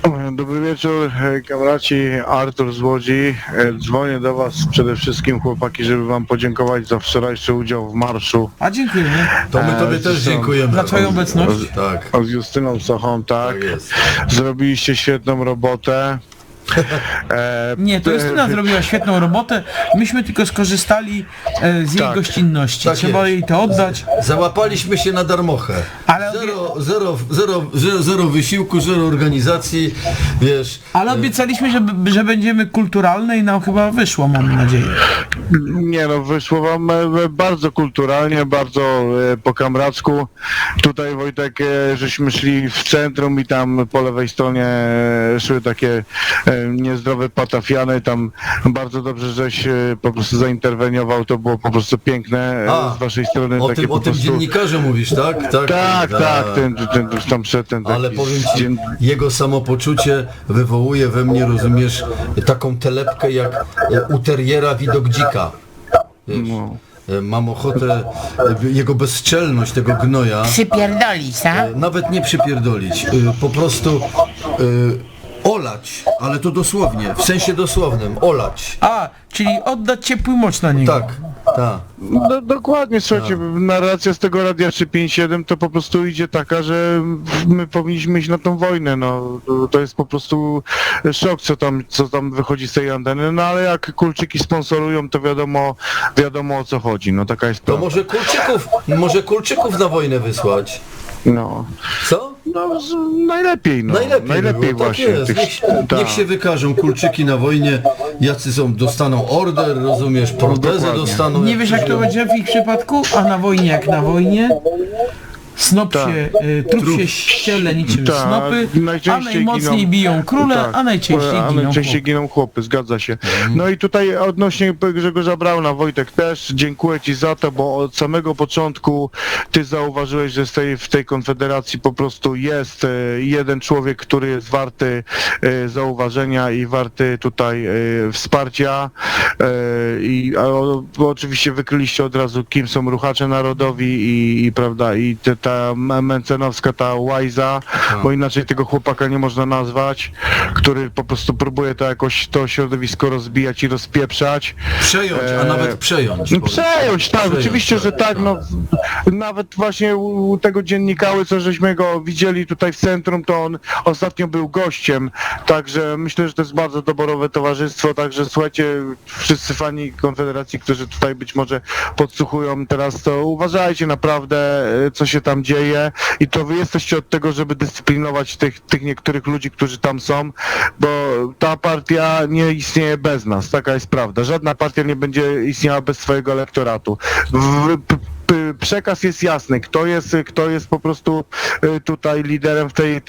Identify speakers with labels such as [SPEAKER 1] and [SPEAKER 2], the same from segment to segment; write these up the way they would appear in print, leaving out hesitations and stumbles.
[SPEAKER 1] Dobry wieczór, kamraci, Artur z Łodzi. Dzwonię do was przede wszystkim, chłopaki, żeby wam podziękować za wczorajszy udział w marszu.
[SPEAKER 2] A dziękujemy.
[SPEAKER 3] To my tobie też dziękujemy.
[SPEAKER 2] Za twoją obecność.
[SPEAKER 3] Tak.
[SPEAKER 1] Z Justyną Sochą, tak.
[SPEAKER 3] Tak jest.
[SPEAKER 1] Zrobiliście świetną robotę.
[SPEAKER 2] Nie, to Justyna zrobiła świetną robotę. Myśmy tylko skorzystali z jej
[SPEAKER 1] Tak.
[SPEAKER 2] gościnności.
[SPEAKER 3] Tak
[SPEAKER 2] Trzeba
[SPEAKER 3] jest.
[SPEAKER 2] jej to oddać.
[SPEAKER 3] Załapaliśmy się na darmochę.
[SPEAKER 2] Ale
[SPEAKER 3] Zero wysiłku, zero organizacji, wiesz.
[SPEAKER 2] Ale obiecaliśmy, że będziemy kulturalne i nam chyba wyszło, mam nadzieję.
[SPEAKER 1] Nie no, wyszło wam bardzo kulturalnie, bardzo po kamracku. Tutaj, Wojtek, żeśmy szli w centrum i tam po lewej stronie szły takie niezdrowe patafiany, tam bardzo dobrze, żeś po prostu zainterweniował, to było po prostu piękne z waszej strony.
[SPEAKER 3] O
[SPEAKER 1] takie
[SPEAKER 3] tym,
[SPEAKER 1] po
[SPEAKER 3] o tym
[SPEAKER 1] prostu...
[SPEAKER 3] dziennikarzu mówisz, tak?
[SPEAKER 1] Tak, ten tam przedtem
[SPEAKER 3] Ale
[SPEAKER 1] taki
[SPEAKER 3] powiem ci, jego samopoczucie wywołuje we mnie, rozumiesz, taką telepkę jak u teriera widok dzika. Wiesz,
[SPEAKER 1] No.
[SPEAKER 3] mam ochotę, jego bezczelność tego gnoja,
[SPEAKER 4] Przypierdolić, tak?
[SPEAKER 3] nawet nie przypierdolić, po prostu olać, ale to dosłownie, w sensie dosłownym, olać.
[SPEAKER 2] A, czyli oddać ciepły moc na niego.
[SPEAKER 3] Tak, tak.
[SPEAKER 1] Dokładnie, słuchajcie, narracja z tego Radia 357 to po prostu idzie taka, że my powinniśmy iść na tą wojnę, no to jest po prostu szok, co tam wychodzi z tej anteny, no ale jak Kulczyki sponsorują, to wiadomo o co chodzi, no taka jest
[SPEAKER 3] To
[SPEAKER 1] prawda.
[SPEAKER 3] może Kulczyków na wojnę wysłać.
[SPEAKER 1] No,
[SPEAKER 3] Co?
[SPEAKER 1] no najlepiej, no.
[SPEAKER 3] Najlepiej było,
[SPEAKER 1] właśnie.
[SPEAKER 3] Tak jest. Niech się wykażą Kulczyki na wojnie, jacy są, dostaną order, rozumiesz, protezę
[SPEAKER 1] Dokładnie.
[SPEAKER 3] dostaną.
[SPEAKER 2] Nie wiesz jak to będzie w ich przypadku? A na wojnie jak na wojnie? Snop
[SPEAKER 1] Tak.
[SPEAKER 2] się, trup się ściele niczym
[SPEAKER 1] Tak,
[SPEAKER 2] snopy, a
[SPEAKER 1] najczęściej
[SPEAKER 2] najmocniej
[SPEAKER 1] giną-
[SPEAKER 2] biją króle,
[SPEAKER 1] tak,
[SPEAKER 2] a najczęściej giną chłopy.
[SPEAKER 1] giną chłopy, zgadza się. No i tutaj odnośnie Grzegorza Brauna, Wojtek, też dziękuję ci za to, bo od samego początku ty zauważyłeś, że w tej konfederacji po prostu jest jeden człowiek, który jest warty zauważenia i warty tutaj wsparcia bo oczywiście wykryliście od razu, kim są ruchacze narodowi i prawda, i ta Mencenowska, ta Łajza, bo inaczej tego chłopaka nie można nazwać, który po prostu próbuje to jakoś to środowisko rozbijać i rozpieprzać.
[SPEAKER 3] Przejąć, a nawet przejąć.
[SPEAKER 1] Przejąć, tak,
[SPEAKER 3] Przejąć,
[SPEAKER 1] oczywiście, że tak, no nawet właśnie u tego dziennikały, co żeśmy go widzieli tutaj w centrum, to on ostatnio był gościem, także myślę, że to jest bardzo doborowe towarzystwo, także słuchajcie, wszyscy fani Konfederacji, którzy tutaj być może podsłuchują teraz, to uważajcie naprawdę, co się tam dzieje i to wy jesteście od tego, żeby dyscyplinować tych niektórych ludzi, którzy tam są, bo ta partia nie istnieje bez nas, taka jest prawda. Żadna partia nie będzie istniała bez swojego elektoratu. Przekaz jest jasny, kto jest po prostu tutaj liderem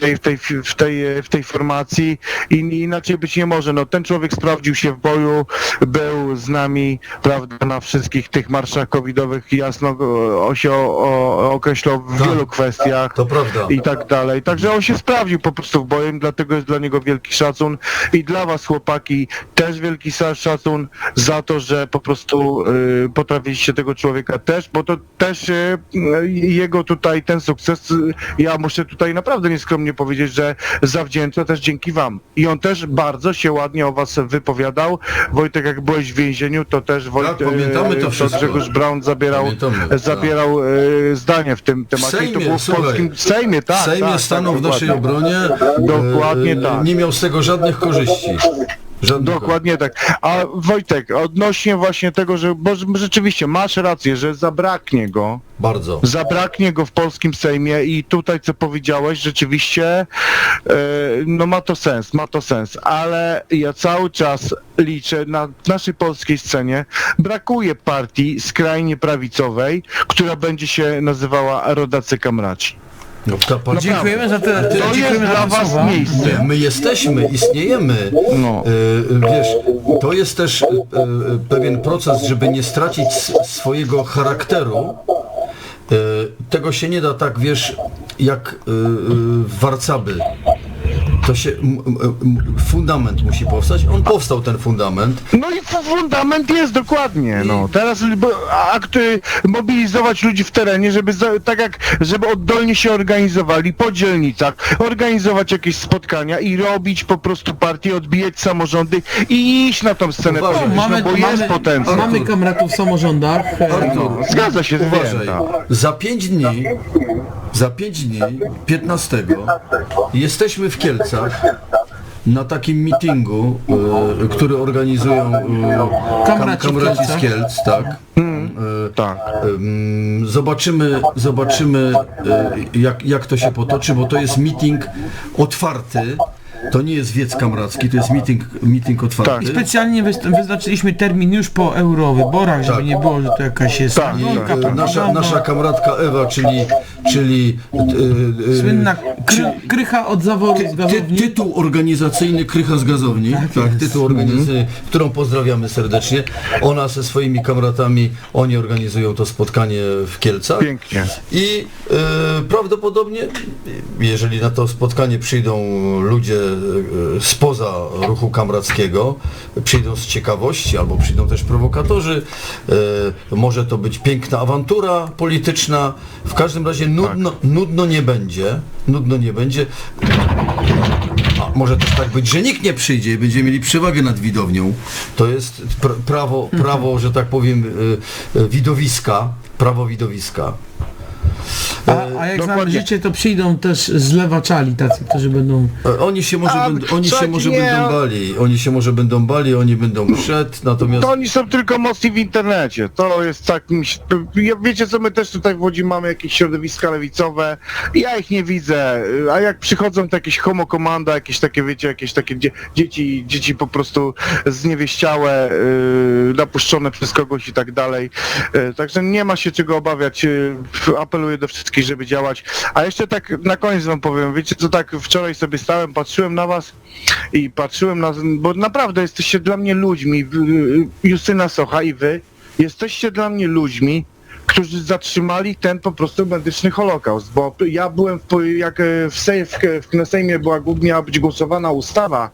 [SPEAKER 1] w tej formacji i inaczej być nie może. No ten człowiek sprawdził się w boju, był z nami, prawda, na wszystkich tych marszach covidowych, jasno się określał w wielu kwestiach
[SPEAKER 3] To prawda.
[SPEAKER 1] i tak dalej. Także on się sprawdził po prostu w boju, dlatego jest dla niego wielki szacun i dla was, chłopaki, też wielki szacun za to, że po prostu potrafiliście tego człowieka też, bo to też jego tutaj ten sukces, ja muszę tutaj naprawdę nieskromnie powiedzieć, że zawdzięcza też dzięki wam. I on też bardzo się ładnie o was wypowiadał. Wojtek, jak byłeś w więzieniu, to też
[SPEAKER 3] pamiętamy to wszystko.
[SPEAKER 1] Grzegorz Braun zabierał zdanie w tym temacie.
[SPEAKER 3] Sejmie,
[SPEAKER 1] I to było w
[SPEAKER 3] słuchaj,
[SPEAKER 1] polskim Sejmie, tak.
[SPEAKER 3] W Sejmie
[SPEAKER 1] tak,
[SPEAKER 3] stanął
[SPEAKER 1] tak,
[SPEAKER 3] w naszej
[SPEAKER 1] dokładnie.
[SPEAKER 3] obronie.
[SPEAKER 1] Dokładnie tak.
[SPEAKER 3] Nie miał z tego żadnych korzyści.
[SPEAKER 1] Dokładnie tak. A Wojtek, odnośnie właśnie tego, że bo rzeczywiście masz rację, że zabraknie go w polskim Sejmie i tutaj co powiedziałeś, rzeczywiście no ma to sens, ale ja cały czas liczę na naszej polskiej scenie, brakuje partii skrajnie prawicowej, która będzie się nazywała Rodacy Kamraci.
[SPEAKER 3] No,
[SPEAKER 2] Dziękujemy za te
[SPEAKER 1] To jest
[SPEAKER 2] dziękujemy
[SPEAKER 1] dla
[SPEAKER 2] za te
[SPEAKER 1] was
[SPEAKER 2] słowa.
[SPEAKER 1] miejsce.
[SPEAKER 3] My jesteśmy, istniejemy.
[SPEAKER 1] No.
[SPEAKER 3] Wiesz, to jest też pewien proces, żeby nie stracić swojego charakteru. Tego się nie da tak, wiesz, jak w warcaby. to się fundament musi powstać. On powstał, ten fundament.
[SPEAKER 1] No i fundament jest dokładnie, no. Teraz mobilizować ludzi w terenie, żeby żeby oddolnie się organizowali po dzielnicach, organizować jakieś spotkania i robić po prostu partie, odbijać samorządy i iść na tą scenę
[SPEAKER 3] Uważaj.
[SPEAKER 1] polityczną, bo jest potencjał.
[SPEAKER 4] Mamy kamratów w samorządach.
[SPEAKER 1] Zgadza się,
[SPEAKER 3] Uważaj,
[SPEAKER 1] wiem, tak.
[SPEAKER 3] za 5 dni, 15, jesteśmy w Kielcach na takim meetingu, który organizują
[SPEAKER 4] Kamraci w
[SPEAKER 3] kamraci z
[SPEAKER 4] Kielcach.
[SPEAKER 3] Kielc, tak.
[SPEAKER 1] Tak.
[SPEAKER 3] Zobaczymy jak to się potoczy, bo to jest meeting otwarty. To nie jest wiec kamracki, to jest meeting otwarty.
[SPEAKER 1] Tak.
[SPEAKER 2] Specjalnie wyznaczyliśmy termin już po eurowyborach, żeby nie było, że to jakaś jest
[SPEAKER 1] Tak,
[SPEAKER 2] nagonka,
[SPEAKER 3] Nasza kamratka Ewa, czyli
[SPEAKER 2] słynna
[SPEAKER 4] Krycha od zaworu z gazowni.
[SPEAKER 3] tytuł organizacyjny Krycha z gazowni, tak, tytuł organizacyjny, którą pozdrawiamy serdecznie. Ona ze swoimi kamratami, oni organizują to spotkanie w Kielcach.
[SPEAKER 1] Pięknie.
[SPEAKER 3] I prawdopodobnie, jeżeli na to spotkanie przyjdą ludzie spoza ruchu kamrackiego, przyjdą z ciekawości, albo przyjdą też prowokatorzy, może to być piękna awantura polityczna, w każdym razie nudno nie będzie, a może też tak być, że nikt nie przyjdzie i będziemy mieli przewagę nad widownią. To jest prawo, że tak powiem, prawo widowiska.
[SPEAKER 4] A jak znamy
[SPEAKER 1] Dokładnie.
[SPEAKER 4] życie, to przyjdą też zlewaczali tacy, którzy będą...
[SPEAKER 3] Oni się może będą bali, oni będą przed, natomiast...
[SPEAKER 1] To oni są tylko mocni w internecie. To jest tak, wiecie co, my też tutaj w Łodzi mamy jakieś środowiska lewicowe, ja ich nie widzę, a jak przychodzą to jakieś homokomanda, jakieś takie, wiecie, jakieś takie dzieci po prostu zniewieściałe, napuszczone przez kogoś i tak dalej. Także nie ma się czego obawiać. Apeluję do wszystkich, żeby działać. A jeszcze tak na koniec wam powiem, wiecie co, tak wczoraj sobie stałem, patrzyłem na was i patrzyłem bo naprawdę jesteście dla mnie ludźmi, Justyna Socha i wy, jesteście dla mnie ludźmi, którzy zatrzymali ten po prostu medyczny Holokaust, bo ja byłem, jak w Sejmie miała być głosowana ustawa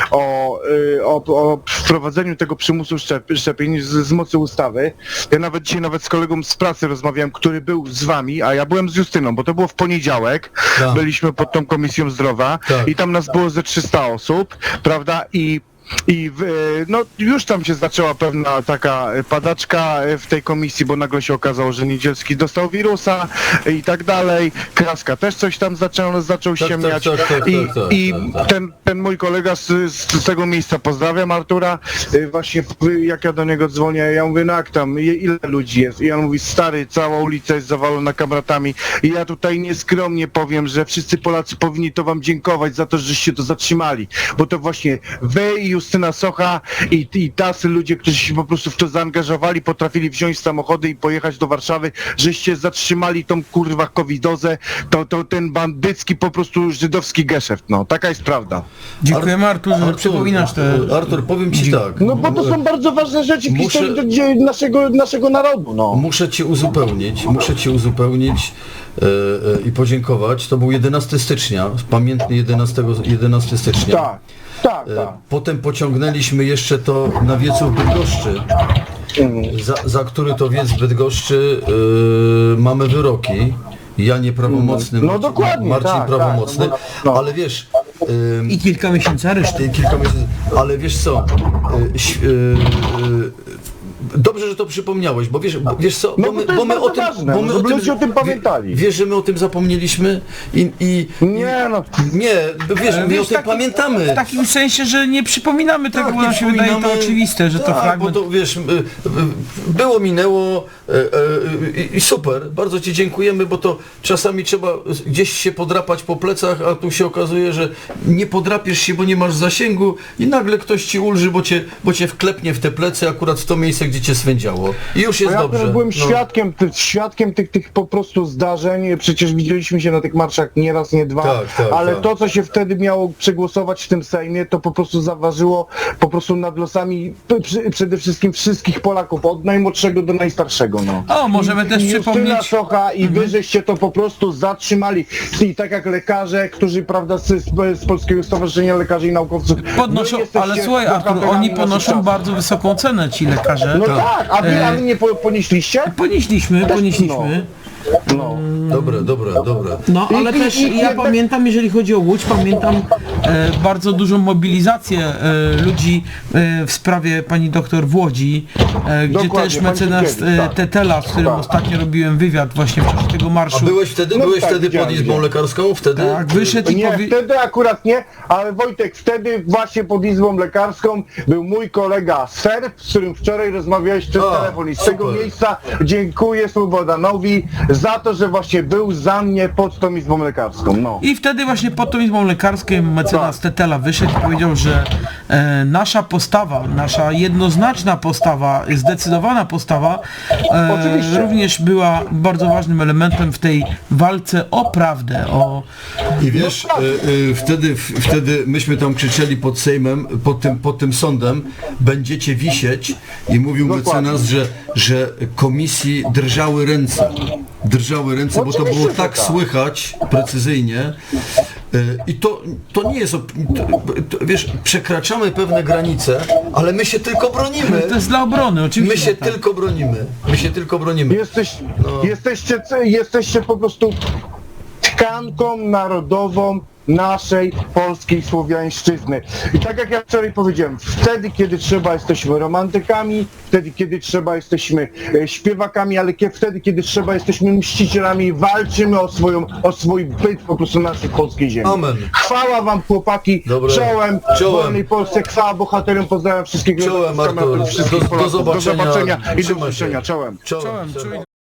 [SPEAKER 1] o wprowadzeniu tego przymusu szczepień z mocy ustawy. Ja dzisiaj z kolegą z pracy rozmawiałem, który był z wami, a ja byłem z Justyną, bo to było w poniedziałek,
[SPEAKER 3] Tak.
[SPEAKER 1] byliśmy pod tą Komisją Zdrowia
[SPEAKER 3] Tak.
[SPEAKER 1] i tam nas było ze 300 osób, prawda, no już tam się zaczęła pewna taka padaczka w tej komisji, bo nagle się okazało, że Niedzielski dostał wirusa i tak dalej. Kraska też coś tam zaczął ściemniać. I ten mój kolega z tego miejsca, pozdrawiam Artura, właśnie jak ja do niego dzwonię, ja mówię, no jak tam, ile ludzi jest? I on mówi, stary, cała ulica jest zawalona kamratami. I ja tutaj nieskromnie powiem, że wszyscy Polacy powinni to wam dziękować za to, żeście to zatrzymali, bo to właśnie wy i Justyna Socha i tacy ludzie, którzy się po prostu w to zaangażowali, potrafili wziąć samochody i pojechać do Warszawy, żeście zatrzymali tą kurwa covidozę, to ten bandycki po prostu żydowski geszeft, no, taka jest prawda.
[SPEAKER 2] Dziękujemy Artur, że przypominasz te...
[SPEAKER 3] Artur, powiem ci tak.
[SPEAKER 1] No bo to są bardzo ważne rzeczy w historii naszego narodu, no.
[SPEAKER 3] Muszę cię uzupełnić i podziękować. To był 11 stycznia, pamiętny 11 stycznia.
[SPEAKER 1] Tak.
[SPEAKER 3] Potem pociągnęliśmy jeszcze to na wiecu w Bydgoszczy, za który to wiec w Bydgoszczy mamy wyroki. Ja nieprawomocny,
[SPEAKER 1] No dokładnie,
[SPEAKER 3] Marcin
[SPEAKER 1] tak,
[SPEAKER 3] prawomocny,
[SPEAKER 1] tak, no.
[SPEAKER 3] ale wiesz...
[SPEAKER 4] I kilka miesięcy aresztu.
[SPEAKER 3] Ale wiesz co, dobrze, że to przypomniałeś, bo wiesz co,
[SPEAKER 1] No bo my o tym, żeby ludzie o tym pamiętali.
[SPEAKER 3] Wiesz, że my o tym zapomnieliśmy i
[SPEAKER 1] Nie, no.
[SPEAKER 3] nie, wiesz, my o
[SPEAKER 2] Wiesz,
[SPEAKER 3] tym pamiętamy.
[SPEAKER 2] W takim sensie, że nie przypominamy tego, bo
[SPEAKER 3] nie
[SPEAKER 2] nam się wydaje to
[SPEAKER 3] przypominamy.
[SPEAKER 2] oczywiste, że to
[SPEAKER 3] Tak,
[SPEAKER 2] fragment...
[SPEAKER 3] bo to wiesz, było, minęło i super, bardzo ci dziękujemy, bo to czasami trzeba gdzieś się podrapać po plecach, a tu się okazuje, że nie podrapiesz się, bo nie masz zasięgu i nagle ktoś ci ulży, bo cię wklepnie w te plecy akurat w to miejsce, miejsce, gdzie cię swędziało. I już jest
[SPEAKER 1] Ja
[SPEAKER 3] dobrze.
[SPEAKER 1] też byłem
[SPEAKER 3] No.
[SPEAKER 1] świadkiem tych po prostu zdarzeń, przecież widzieliśmy się na tych marszach nie raz, nie dwa,
[SPEAKER 3] Tak,
[SPEAKER 1] ale
[SPEAKER 3] tak.
[SPEAKER 1] to, co się wtedy miało przegłosować w tym Sejmie, to po prostu zaważyło po prostu nad losami przede wszystkim wszystkich Polaków, od najmłodszego do najstarszego. No.
[SPEAKER 2] O, możemy też
[SPEAKER 1] I Justyna
[SPEAKER 2] przypomnieć...
[SPEAKER 1] Socha i wy żeście to po prostu zatrzymali. I tak jak lekarze, którzy, prawda, z Polskiego Stowarzyszenia Lekarzy i Naukowców
[SPEAKER 2] Podnoszą,
[SPEAKER 1] wy jesteście
[SPEAKER 2] ale słuchaj Artur,
[SPEAKER 1] bohaterami
[SPEAKER 2] oni
[SPEAKER 1] naszych
[SPEAKER 2] ponoszą
[SPEAKER 1] czasów.
[SPEAKER 2] bardzo wysoką cenę, ci lekarze.
[SPEAKER 1] No tak, a wy nie ponieśliście?
[SPEAKER 2] Ponieśliśmy.
[SPEAKER 1] No.
[SPEAKER 3] Dobra.
[SPEAKER 4] No, ale
[SPEAKER 1] I-
[SPEAKER 4] też
[SPEAKER 1] i
[SPEAKER 4] ja
[SPEAKER 1] jednak-
[SPEAKER 4] pamiętam, jeżeli chodzi o Łódź, pamiętam
[SPEAKER 2] Bardzo dużą mobilizację ludzi w sprawie pani doktor w Łodzi, gdzie
[SPEAKER 1] Dokładnie,
[SPEAKER 2] też
[SPEAKER 1] pani
[SPEAKER 2] mecenas
[SPEAKER 1] Sienkiewicz, tak.
[SPEAKER 2] Tetela, z którym
[SPEAKER 1] Tak.
[SPEAKER 2] ostatnio robiłem wywiad właśnie w czasie tego
[SPEAKER 3] A
[SPEAKER 2] marszu.
[SPEAKER 3] byłeś wtedy?
[SPEAKER 1] No
[SPEAKER 3] Byłeś
[SPEAKER 1] tak,
[SPEAKER 3] wtedy pod
[SPEAKER 1] widziałem,
[SPEAKER 3] Izbą
[SPEAKER 1] widziałem.
[SPEAKER 3] Lekarską? Wtedy?
[SPEAKER 2] Tak, wyszedł i
[SPEAKER 1] Nie, wtedy akurat nie, ale Wojtek, wtedy właśnie pod Izbą Lekarską był mój kolega Serb, z którym wczoraj rozmawiałeś przez
[SPEAKER 3] A,
[SPEAKER 1] telefon i z tego
[SPEAKER 3] super.
[SPEAKER 1] miejsca dziękuję Slobodanowi za to, że właśnie był za mnie pod tą Izbą Lekarską, no.
[SPEAKER 2] I wtedy właśnie pod tą izbą lekarską mecenas Tetela wyszedł i powiedział, że nasza postawa, nasza jednoznaczna postawa, zdecydowana postawa
[SPEAKER 1] Oczywiście.
[SPEAKER 2] również była bardzo ważnym elementem w tej walce o prawdę, o...
[SPEAKER 3] I wiesz, wtedy myśmy tam krzyczeli pod Sejmem, pod tym sądem, będziecie wisieć i mówił
[SPEAKER 1] Dokładnie.
[SPEAKER 3] mecenas, że komisji drżały ręce, bo to
[SPEAKER 1] Oczywiście,
[SPEAKER 3] było
[SPEAKER 1] że
[SPEAKER 3] tak
[SPEAKER 1] tak.
[SPEAKER 3] słychać precyzyjnie. I to nie jest, wiesz, przekraczamy pewne granice, ale my się tylko bronimy.
[SPEAKER 2] To jest dla obrony, oczywiście.
[SPEAKER 3] My się
[SPEAKER 2] że tak.
[SPEAKER 3] tylko bronimy.
[SPEAKER 1] Jesteście po prostu tkanką narodową naszej polskiej słowiańszczyzny. I tak jak ja wczoraj powiedziałem, wtedy kiedy trzeba jesteśmy romantykami, wtedy kiedy trzeba jesteśmy śpiewakami, ale wtedy kiedy trzeba jesteśmy mścicielami, walczymy o swój byt po prostu naszej polskiej ziemi.
[SPEAKER 3] Amen.
[SPEAKER 1] Chwała wam chłopaki,
[SPEAKER 3] Dobre.
[SPEAKER 1] czołem
[SPEAKER 3] Czołem.
[SPEAKER 1] wolnej Polsce, chwała bohaterom, pozdrawiam wszystkich
[SPEAKER 3] Czołem,
[SPEAKER 1] z kamery,
[SPEAKER 3] Artur.
[SPEAKER 1] wszystkich
[SPEAKER 3] Do
[SPEAKER 1] Polaków.
[SPEAKER 3] zobaczenia.
[SPEAKER 1] Do zobaczenia i do
[SPEAKER 3] Trzymaj się.
[SPEAKER 1] usłyszenia, czołem.
[SPEAKER 2] Czołem, czuj-